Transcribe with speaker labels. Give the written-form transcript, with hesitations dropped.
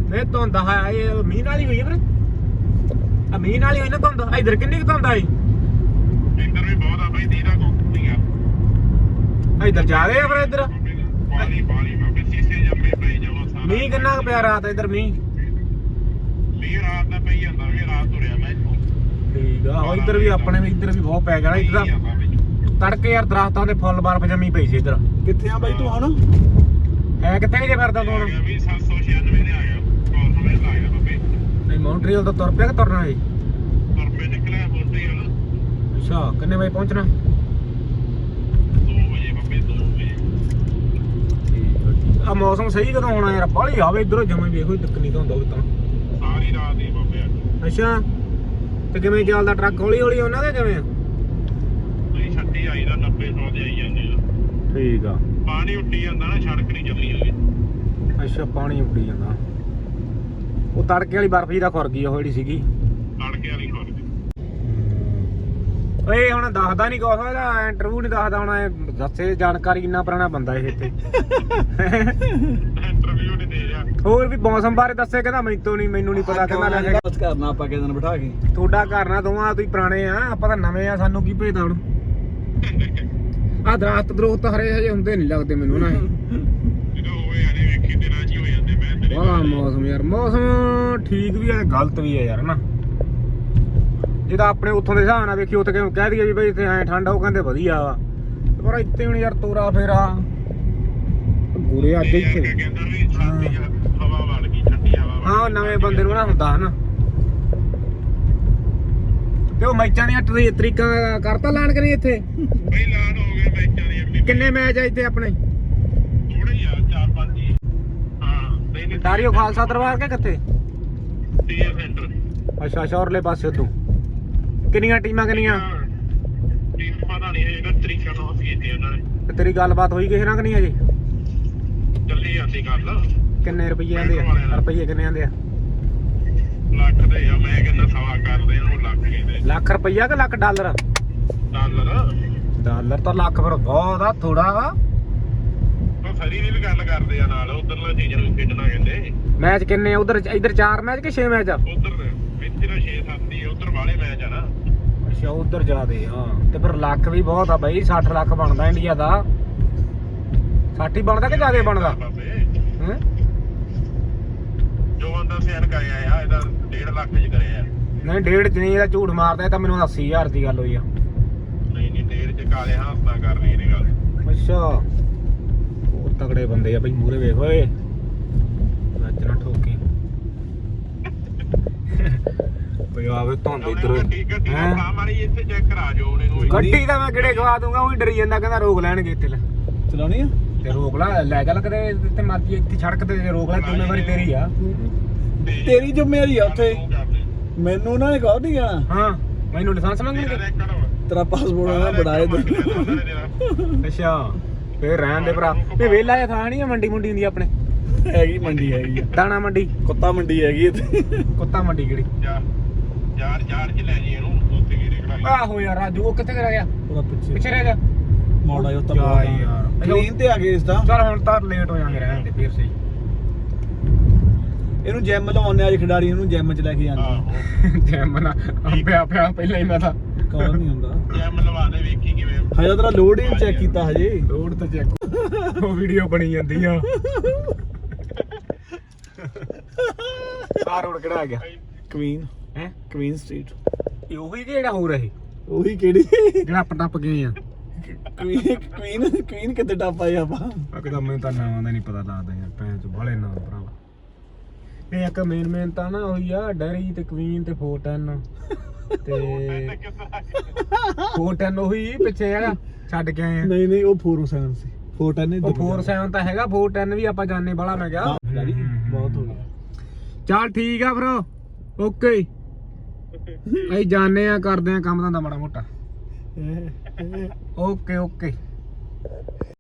Speaker 1: ਇਹ ਧੁੰਦ ਆ ਇਹ ਮੀਂਹ ਨਾਲ ਹੀ ਹੋਈ ਵੀਰੇ ਆ ਮੀਂਹ ਨਾਲ ਹੀ ਹੋਈ ਨਾ ਧੁੰਦ ਇਧਰ ਕਿੰਨੀ ਕੁ ਧੁੰਦ ਆਈ
Speaker 2: ਇੱਧਰ ਵੀ ਬਹੁਤ ਆ ਬਈ ਦੀਦਾ ਕੋਕੀਆਂ
Speaker 1: ਇਧਰ ਜ਼ਿਆਦੇ ਆ ਫਿਰ ਇਧਰ
Speaker 2: ਪਾਣੀ ਬਾਬੇ ਸੀਸੇ ਜੰਮੇ ਪਈ ਜਾਵਾਂ ਸਾਰਾ
Speaker 1: ਮੀਂਹ ਕਿੰਨਾ ਕੁ ਪਿਆ ਰਾਤ ਇਧਰ ਮੀਂਹ
Speaker 2: ਰਾਤ ਦਾ ਪਈ ਜਾਂਦਾ ਵੀ ਰਾਤ ਤੁਰਿਆ ਮੈਂ ਇੱਥੋਂ
Speaker 1: ਠੀਕ ਆ ਇਧਰ ਵੀ ਆਪਣੇ ਵੀ ਇੱਧਰ ਵੀ ਬਹੁਤ ਪੈ ਗਿਆ ਇੱਧਰ ਤੜਕੇ ਯਾਰ ਦਰਖਤਾਂ ਦੇ ਫੁੱਲ ਬਰਫ਼ ਜੰਮੀ ਪਈ ਸੀ ਇੱਧਰ
Speaker 3: ਕਿੱਥੇ ਆ ਬਾਈ ਤੂੰ ਹੁਣ
Speaker 1: ਹੈ ਕਿੱਥੇ ਜੇ ਫਿਰਦਾ ਤੂੰ ਹੁਣ
Speaker 2: ਵੀ 796 ਦੇ ਆ ਗਿਆ ਕੋਲ ਸਮੇਂ ਲਾ ਗਿਆ ਬਾਬੇ
Speaker 1: ਨਹੀਂ ਮੌਂਟਰੀਅਲ ਤੋਂ ਤੁਰ ਪਿਆ ਕਿ ਤੁਰਨਾ ਹੈ
Speaker 2: ਤੁਰਪੇ ਨਿਕਲਿਆ ਮੋਟਰੀਅਲ
Speaker 1: ਅੱਛਾ ਕਿੰਨੇ ਵਜੇ ਪਹੁੰਚਣਾ
Speaker 2: 2 ਵਜੇ ਬਾਬੇ 2 ਵਜੇ
Speaker 1: ਆ ਮੌਸਮ ਸਹੀ ਕਦੋਂ ਹੋਣਾ ਯਾਰ ਬਾਹਲੀ ਆਵੇ ਇਧਰੋਂ ਜਮੇ ਵੇਖੋ ਦਿੱਕ ਨਹੀਂ ਤਾਂ ਹੁੰਦਾ ਉਹ ਤਾਂ
Speaker 2: ਸਾਰੀ ਰਾਤ ਹੀ ਬਾਬੇ ਅੱਜ
Speaker 1: ਅੱਛਾ ਤੇ ਕਿਵੇਂ ਚੱਲਦਾ ਟਰੱਕ ਹੌਲੀ ਹੌਲੀ ਉਹਨਾਂ ਦੇ ਕਿਵੇਂ
Speaker 2: ਨਹੀਂ ਛੱਡੀ ਆਈ ਦਾ 90 100 ਦੇ ਆਈ ਜਾਂਦੇ ਆ
Speaker 1: ਠੀਕ ਆ
Speaker 2: ਪਾਣੀ ਉੱਡੀ ਜਾਂਦਾ ਨਾ ਸੜਕ ਨਹੀਂ ਚੱਲੀ ਹੋਈ
Speaker 1: ਅੱਛਾ ਪਾਣੀ ਉੱਡੀ ਜਾਂਦਾ ਉਹ ਤੜਕੇ ਵਾਲੀ ਬਰਫ਼ ਜੀ ਦਾ ਖੁਰ ਗਈ ਉਹ ਜਿਹੜੀ ਸੀਗੀ
Speaker 2: ਤੜਕੇ ਵਾਲੀ ਖੁਰ ਗਈ
Speaker 1: ਓਏ ਹੁਣ ਦੱਸਦਾ ਨਹੀਂ ਕੁਛ ਇਹਦਾ ਇੰਟਰਵਿਊ ਨਹੀਂ ਦੱਸਦਾ ਹੁਣ ਇਹ ਦੱਸੇ ਜਾਣਕਾਰੀ ਇੰਨਾ ਪੁਰਾਣਾ ਬੰਦਾ ਇਹ ਇੱਥੇ
Speaker 2: ਇੰਟਰਵਿਊ ਨਹੀਂ ਦੇ ਰਿਹਾ
Speaker 1: ਹੋਰ ਵੀ ਮੌਸਮ ਬਾਰੇ ਦੱਸੇ ਕਹਿੰਦਾ ਮੈਨੂੰ ਨਹੀਂ ਪਤਾ ਕਹਿੰਦਾ ਲੈ
Speaker 3: ਬਸ ਕਰਨਾ ਆਪਾਂ ਕਿਸੇ ਦਿਨ ਬਿਠਾ ਕੇ
Speaker 1: ਤੁਹਾਡਾ ਘਰ ਨਾ ਦੋਵਾਂ ਤੁਸੀਂ ਪੁਰਾਣੇ ਆ ਆਪਾਂ ਤਾਂ ਨਵੇਂ ਆ ਸਾਨੂੰ ਕੀ ਭੇਜਦਾ ਹੁਣ ਆ ਦਰਖਤ ਹਰੇ ਹਜੇ ਹੁੰਦੇ ਨਹੀਂ ਲੱਗਦੇ ਮੈਨੂੰ ਨਾ
Speaker 2: ਜਦੋਂ ਹੋਏ ਆਨੇ ਵੇਖੀ ਦਿਨਾਂ ਚ ਹੀ ਹੋ ਜਾਂਦੇ ਮੈਂ ਤੇਰੇ
Speaker 1: ਵਾਹ ਮੌਸਮ ਯਾਰ ਮੌਸਮ ਠੀਕ ਵੀ ਹੈ ਗਲਤ ਵੀ ਹੈ ਯਾਰ ਨਾ ਜਿਹਦਾ ਆਪਣੇ ਉੱਥੋਂ ਦੇ ਹਿਸਾਬ ਨਾਲ ਵੇਖੀ ਉੱਥੇ ਕਹਿ ਦਈਏ ਵੀ ਬਈ ਇੱਥੇ ਐ ਠੰਡ ਉਹ ਕਹਿੰਦੇ ਵਧੀਆ ਵਾ ਪਰ ਇੱਥੇ ਹੁਣ ਯਾਰ ਤੋਰਾ ਫੇਰਾ ਪੂਰੇ ਅੱਜ ਇੱਥੇ
Speaker 2: ਕਹਿੰਦਾ ਵੀ ਛਾਤੀ ਹਵਾ ਵੜ ਗਈ ਠੰਡੀ ਹਵਾ
Speaker 1: ਹਾਂ ਨਵੇਂ ਬੰਦੇ ਨੂੰ ਨਾ ਹੁੰਦਾ ਹਨਾ ਤੇ ਉਹ ਮੈਚਾਂ ਦੀਆਂ ਤਰੀਕਾਂ ਕਰਤਾ ਲਾਣ ਕਰੀ ਇੱਥੇ
Speaker 2: ਬਈ ਲਾਨ ਹੋ ਗਏ ਮੈਚਾਂ ਦੀ ਅੱਗੇ
Speaker 1: ਕਿੰਨੇ ਮੈਚ ਆ ਇੱਥੇ ਆਪਣੇ
Speaker 2: ਥੋੜੇ ਹੀ ਆ 4-5 ਹੀ ਹਾਂ ਨਹੀਂ
Speaker 1: ਤਾਰੀਓ ਖਾਲਸਾ ਦਰਬਾਰ ਕੇ ਕਿੱਥੇ
Speaker 2: ਟੀਏ ਸੈਂਟਰ
Speaker 1: ਅੱਛਾ ਸ਼ੌਰਲੇ ਪਾਸੇ ਤੋਂ ਕਿੰਨੀਆਂ ਟੀਮਾਂ ਕਿੰਨੀਆਂ
Speaker 2: ਟੀਮ ਪਤਾ ਨਹੀਂ ਇਹਦਾ ਤਰੀਕਾ ਨਾਲ ਕੀਤੀ ਉਹਨਾਂ ਨੇ
Speaker 1: ਤੇ ਤੇਰੀ ਗੱਲਬਾਤ ਹੋਈ ਕਿਸੇ ਨਾਲ ਕਿ ਨਹੀਂ ਅਜੇ
Speaker 2: ਚੱਲੀ ਜਾਂਦੀ ਗੱਲ
Speaker 1: ਕਿੰਨੇ ਰੁਪਏ ਆਂਦੇ ਆ ਰੁਪਏ ਕਿੰਨੇ ਆਂਦੇ ਆ
Speaker 2: ਲੱਖ ਦੇ ਆ ਮੈਂ ਕਹਿੰਦਾ ਸਵਾ ਕਰਦੇ ਇਹਨੂੰ ਲੱਖ ਕਹਿੰਦੇ
Speaker 1: ਲੱਖ ਰੁਪਈਆ ਕਿ ਲੱਖ ਡਾਲਰ
Speaker 2: ਡਾਲਰ
Speaker 1: ਤਾਂ ਲੱਖ ਫਿਰ ਬਹੁਤ ਆ ਥੋੜਾ ਵਾ
Speaker 2: ਉਹ ਫਰੀ ਦੀ ਵੀ ਗੱਲ ਕਰਦੇ ਆ ਨਾਲ ਉਧਰਲਾ ਚੀਜ਼ਾਂ ਨੂੰ ਖੇਡਣਾ ਕਹਿੰਦੇ
Speaker 1: ਮੈਚ ਕਿੰਨੇ ਉਧਰ ਇੱਧਰ 4 ਮੈਚ ਕਿ 6 ਮੈਚ ਆ
Speaker 2: ਉਧਰ ਇੱਥੇ ਦਾ 6-7 ਹੀ ਉਧਰ ਵਾਲੇ ਮੈਚ ਆ ਨਾ
Speaker 1: ਅੱਛਾ ਉਧਰ ਜ਼ਿਆਦੇ ਹਾਂ ਤੇ ਫਿਰ ਲੱਖ ਵੀ ਬਹੁਤ ਆ ਬਾਈ 60 ਲੱਖ ਬਣਦਾ ਇੰਡੀਆ ਦਾ 60 ਹੀ ਬਣਦਾ ਕਿ ਜ਼ਿਆਦੇ ਬਣਦਾ ਹੈਂ
Speaker 2: ਜੋ ਬੰਦਾ ਸਿਆਣ ਕਰਿਆ ਆ ਇਹਦਾ 1.5 ਲੱਖ ਚ ਕਰਿਆ
Speaker 1: ਨਹੀਂ ਡੇਢ ਚ ਨਹੀਂ ਇਹਦਾ ਝੂਠ ਮਾਰਦਾ ਇਹ ਤਾਂ ਮੈਨੂੰ 80000 ਦੀ ਗੱਲ ਹੋਈ ਆ
Speaker 2: ਨਹੀਂ 1.5 ਚ ਕਾਲੇ ਹਾਸਤਾ ਕਰ ਰਹੀ ਨੇ ਗੱਲ
Speaker 1: ਅੱਛਾ ਉਹ ਤਗੜੇ ਬੰਦੇ ਆ ਬਈ ਮੂਰੇ ਵੇਖ ਓਏ ਨੱਚਣਾ ਠੋਕੀ ਬਈ ਆਵੇ ਧੁੰਦ ਇਧਰ
Speaker 2: ਗੱਡੀ ਆਪਣਾ ਮਾਰੀ ਇੱਥੇ ਚੈੱਕ ਕਰਾ ਜੋ ਉਹਨੇ ਨੂੰ
Speaker 1: ਗੱਡੀ ਤਾਂ ਮੈਂ ਕਿਹੜੇ ਗਵਾ ਦੂੰਗਾ ਉਹ ਡਰੀ ਜਾਂਦਾ ਕਹਿੰਦਾ ਰੋਕ ਲੈਣਗੇ ਇੱਥੇ
Speaker 3: ਚਲਾਉਣੀ ਆ
Speaker 1: ਤੇ ਰੋਕ ਲੈ ਚੱਲ ਕਦੇ ਇੱਥੇ ਮਰਜੀ ਇੱਥੇ ਸੜਕ ਤੇ ਰੋਕ ਲੈ ਜ਼ਿੰਮੇਵਾਰੀ ਤੇਰੀ ਆ
Speaker 3: ਤੇਰੀ ਜ਼ਿੰਮੇਵਾਰੀ ਆ ਉੱਥੇ ਮੈਨੂੰ ਨਾ ਇਹ ਕਹੋ ਨਹੀਂ ਜਾਣਾ
Speaker 1: ਹਾਂ ਮੈਨੂੰ ਲਾਇਸੈਂਸ ਮੰਗਣਗੇ
Speaker 3: ਤੇਰਾ ਪਾਸਪੋਰਟ ਆ ਬੜਾ ਇਹ
Speaker 1: ਅੱਛਾ ਫੇਰ ਰਹਿਣ ਦੇ ਭਰਾ ਇਹ ਵੇਲਾ ਜਿਹਾ ਥਾਂ ਨਹੀਂ ਆ ਮੰਡੀ ਹੁੰਦੀ ਆਪਣੇ
Speaker 3: ਹੈਗੀ ਮੰਡੀ ਹੈਗੀ ਆ
Speaker 1: ਦਾਣਾ ਮੰਡੀ
Speaker 3: ਕੁੱਤਾ ਮੰਡੀ ਹੈਗੀ ਇੱਥੇ
Speaker 1: ਕੁੱਤਾ ਮੰਡੀ ਕਿਹੜੀ
Speaker 2: ਯਾਰ ਚ ਲੈ ਜੀ ਇਹਨੂੰ ਉੱਥੇ ਕੀ ਰੇਕੜਾ
Speaker 1: ਆਹੋ ਯਾਰ ਰਾਜੂ ਉਹ ਕਿੱਥੇ ਰਹਿ ਗਿਆ
Speaker 3: ਉਹਦਾ
Speaker 1: ਪਿੱਛੇ ਰਹਿ ਗਿਆ
Speaker 3: ਮੋੜਾ ਜੋ ਤਾਂ
Speaker 1: ਜਾ ਯਾਰ
Speaker 3: ਕਲੀਨ ਤੇ ਆ ਗਏ ਇਸ ਤਾਂ
Speaker 1: ਚਲ ਹੁਣ ਤਾਂ ਲੇਟ ਹੋ ਜਾਾਂਗੇ ਰਹਿਣ ਦੇ ਫੇਰ ਸਹੀ
Speaker 3: ਇਹਨੂੰ ਜਿਮ ਲਾਉਣੇ ਅੱਜ ਖਿਡਾਰੀ ਇਹਨੂੰ ਜਿਮ ਚ ਲੈ ਕੇ ਜਾਂਦੇ
Speaker 2: ਆਹੋ
Speaker 1: ਜੈਮ ਨਾ ਪਿਆ ਪਹਿਲਾਂ ਹੀ ਮੈਂ ਤਾਂ
Speaker 3: ਕੌਣ ਨਹੀਂ ਹੁੰਦਾ
Speaker 2: ਜੈਮ ਲਵਾ ਦੇ ਵੇਖੀ ਕਿਵੇਂ
Speaker 3: ਹਜੇ ਤੇਰਾ ਲੋਡ ਹੀ ਚੈੱਕ ਕੀਤਾ ਹਜੇ
Speaker 1: ਰੋਡ ਤੇ ਚੈੱਕ ਉਹ ਵੀਡੀਓ ਬਣੀ ਜਾਂਦੀ ਆ ਆ ਰੋਡ ਕਿਹੜਾ ਆ ਗਿਆ
Speaker 3: ਕੁਈਨ
Speaker 1: ਹੈ
Speaker 3: ਕੁਈਨ ਸਟਰੀਟ
Speaker 1: ਇਹ ਉਹੀ ਜਿਹੜਾ ਹੋ ਰਹੀ
Speaker 3: ਉਹੀ ਕਿਹੜੀ
Speaker 1: ਜਿਹੜਾ ਆਪਾਂ ਟੱਪ ਗਏ ਆ
Speaker 3: ਕੁਈਨ ਕਿੱਥੇ ਟੱਪ ਆਏ ਆਪਾਂ
Speaker 1: ਅਕਦਮ ਮੈਨੂੰ ਤਾਂ ਨਾਮ ਦਾ ਨਹੀਂ ਪਤਾ ਲੱਗਦਾ ਯਾਰ ਭੈਣ ਚ ਬਾਲੇ ਨਾਮ ਭਰਾਵਾ ਇਹ ਇੱਕ ਮੇਨ ਤਾਂ ਨਾ ਉਹੀ ਆ ਡੈਰੀ ਤੇ ਕੁਈਨ ਤੇ 410 ਤੇ 410 ਉਹੀ ਪਿੱਛੇ ਹੈਗਾ ਛੱਡ ਕੇ ਆਏ ਆ
Speaker 3: ਨਹੀਂ ਉਹ 407 ਸੀ 410 ਨਹੀਂ
Speaker 1: ਉਹ 47 ਤਾਂ ਹੈਗਾ 410 ਵੀ ਆਪਾਂ ਜਾਣੇ ਬਾਲਾ ਮੈਂ ਕਿਹਾ
Speaker 3: ਬਹੁਤ ਹੋ ਗਿਆ
Speaker 1: ਚੱਲ ਠੀਕ ਆ ਫਿਰ ਓਕੇ ਅਸੀਂ ਜਾਣੇ ਆ ਕਰਦੇ ਆ ਕੰਮ ਧੰਦਾ ਮਾੜਾ ਮੋਟਾ ਓਕੇ